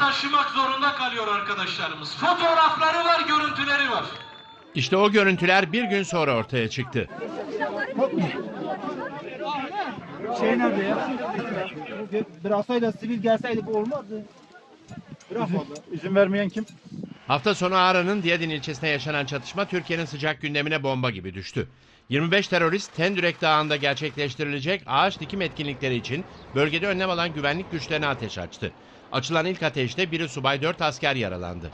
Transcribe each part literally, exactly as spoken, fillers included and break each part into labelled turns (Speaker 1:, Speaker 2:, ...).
Speaker 1: taşımak zorunda kalıyor arkadaşlarımız. Fotoğrafları var, görüntüleri var.
Speaker 2: İşte o görüntüler bir gün sonra ortaya çıktı.
Speaker 3: Şey nerede ya? Bıraksaydı sivil gelseydi bu olmazdı. Bırakmadı. İzin vermeyen kim?
Speaker 2: Hafta sonu Ağrı'nın Diyadin ilçesinde yaşanan çatışma Türkiye'nin sıcak gündemine bomba gibi düştü. yirmi beş terörist Tendürek Dağı'nda gerçekleştirilecek ağaç dikim etkinlikleri için bölgede önlem alan güvenlik güçlerine ateş açtı. Açılan ilk ateşte biri subay, dört asker yaralandı.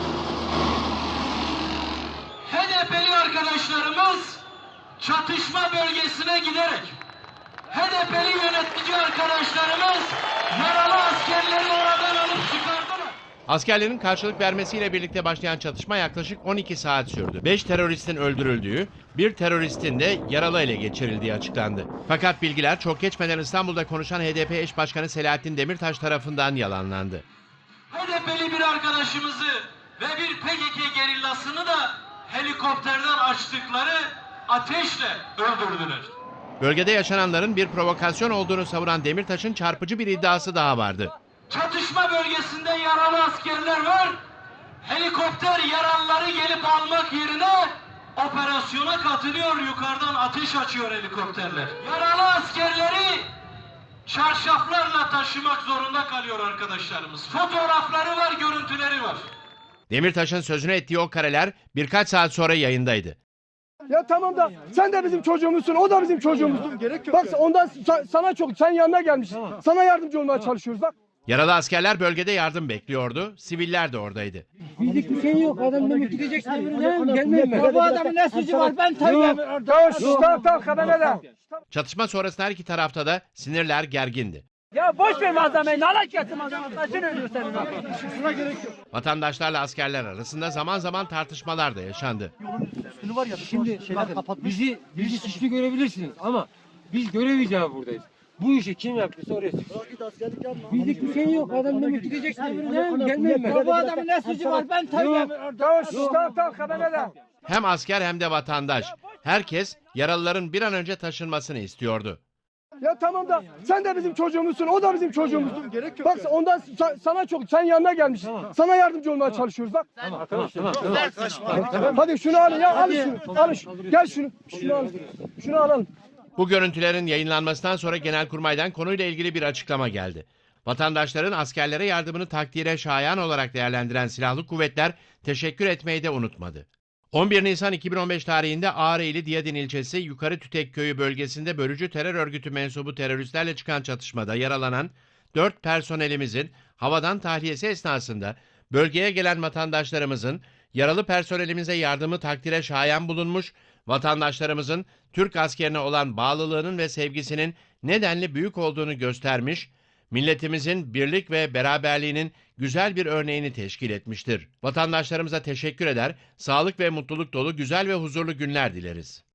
Speaker 1: H D P'li arkadaşlarımız çatışma bölgesine giderek H D P'li yönetici arkadaşlarımız yaralı askerleri oradan alıp çıkardılar.
Speaker 2: Askerlerin karşılık vermesiyle birlikte başlayan çatışma yaklaşık on iki saat sürdü. beş teröristin öldürüldüğü, bir teröristin de yaralı ele geçirildiği açıklandı. Fakat bilgiler çok geçmeden İstanbul'da konuşan H D P eş başkanı Selahattin Demirtaş tarafından yalanlandı.
Speaker 1: H D P'li bir arkadaşımızı ve bir P K K gerillasını da helikopterden açtıkları ateşle öldürdüler.
Speaker 2: Bölgede yaşananların bir provokasyon olduğunu savunan Demirtaş'ın çarpıcı bir iddiası daha vardı.
Speaker 1: Çatışma bölgesinde yaralı askerler var. Helikopter yaralıları gelip almak yerine operasyona katılıyor. Yukarıdan ateş açıyor helikopterler. Yaralı askerleri çarşaflarla taşımak zorunda kalıyor arkadaşlarımız. Fotoğrafları var, görüntüleri var.
Speaker 2: Demirtaş'ın sözünü ettiği o kareler birkaç saat sonra yayındaydı.
Speaker 4: Ya tamam da sen de bizim çocuğumuzsun, o da bizim çocuğumuzsun. Bak ondan sa- sana çok, sen yanına gelmişsin. Sana yardımcı olmaya çalışıyoruz bak.
Speaker 2: Yaralı askerler bölgede yardım bekliyordu. Siviller de oradaydı.
Speaker 5: Bizlik bir şey yok. Adam demek gideceksin. Gelmeyin ben.
Speaker 3: Bu adamın ne suçu var? Ben
Speaker 4: Tamam, tamam, tamam, habere de.
Speaker 2: Çatışma sonrasında her iki tarafta da sinirler gergindi.
Speaker 5: Ya boş ver malzemeyi. Nalak yatsın malzemeyi. Taşın ölüyor senin.
Speaker 4: Şuna gerek yok.
Speaker 2: Vatandaşlarla askerler arasında zaman zaman tartışmalar da yaşandı.
Speaker 4: Üstünü var ya,
Speaker 5: Şimdi
Speaker 4: şeyler
Speaker 5: bakın,
Speaker 4: kapatmış.
Speaker 5: bizi bizi suçlu görebilirsiniz ama biz görev icabı buradayız. Bu işi kim yaptıysa oraya sıkışır. Bizlik bir şey yok. Adam demek gideceksin. Gelmeyin ben.
Speaker 3: Bu adamın ne suçu var? Ben
Speaker 4: Tamam, tamam, tamam, habere de.
Speaker 2: Hem asker hem de vatandaş. Herkes yaralıların bir an önce taşınmasını istiyordu.
Speaker 4: Ya tamam da sen de bizim çocuğumuzsun, o da bizim çocuğumuzsun. Gerek yok. Bak ondan sa- sana çok, sen yanına gelmişsin. Sana yardımcı olmaya çalışıyoruz bak.
Speaker 5: Tamam tamam. tamam.
Speaker 4: Hadi şunu alın ya, alın şunu. Alın şunu. Gel şunu. Şunu alın. Şunu alalım.
Speaker 2: Bu görüntülerin yayınlanmasından sonra Genelkurmay'dan konuyla ilgili bir açıklama geldi. Vatandaşların askerlere yardımını takdire şayan olarak değerlendiren silahlı kuvvetler teşekkür etmeyi de unutmadı. on bir Nisan iki bin on beş tarihinde Ağrı ili Diyadin ilçesi Yukarı Tütek köyü bölgesinde bölücü terör örgütü mensubu teröristlerle çıkan çatışmada yaralanan dört personelimizin havadan tahliyesi esnasında bölgeye gelen vatandaşlarımızın yaralı personelimize yardımı takdire şayan bulunmuş, vatandaşlarımızın Türk askerine olan bağlılığının ve sevgisinin nedenli büyük olduğunu göstermiş, milletimizin birlik ve beraberliğinin güzel bir örneğini teşkil etmiştir. Vatandaşlarımıza teşekkür eder, sağlık ve mutluluk dolu güzel ve huzurlu günler dileriz.